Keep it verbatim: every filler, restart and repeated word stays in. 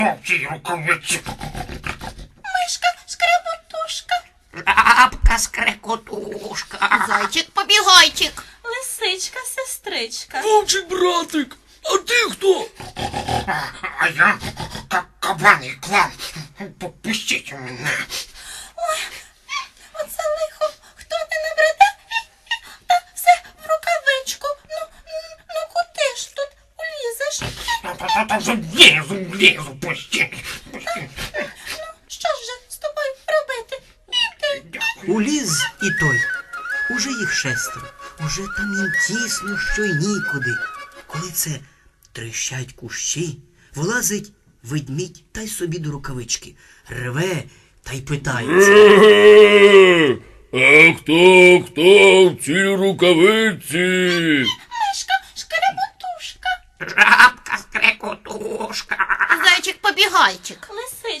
Мовчи, рукавиці. Мишка, шкряботушка. Лапка скрекотушка. Зайчик-побігайчик. Лисичка, сестричка. Вовчик братик, а ти хто? А, а я как кабан і клан. Попустіть мене. Ой, оце лихо. Хто не набреде? Та все в рукавичку. Ну, ну куди ж тут улізеш? Та-та-та вже влізу, влізу, пустіть. Пустіть. Що ж же з тобою робити? Іди. Уліз і той. Уже їх шестеро. Уже там їм тісно, що й нікуди. Коли це трещать кущі, вилазить ведмідь та й собі до рукавички. Реве та й питається. Е, А хто, хто в цій рукавиці? Мишка, шкряботушка. Жабка скрекотушка. Зайчик-побігайчик.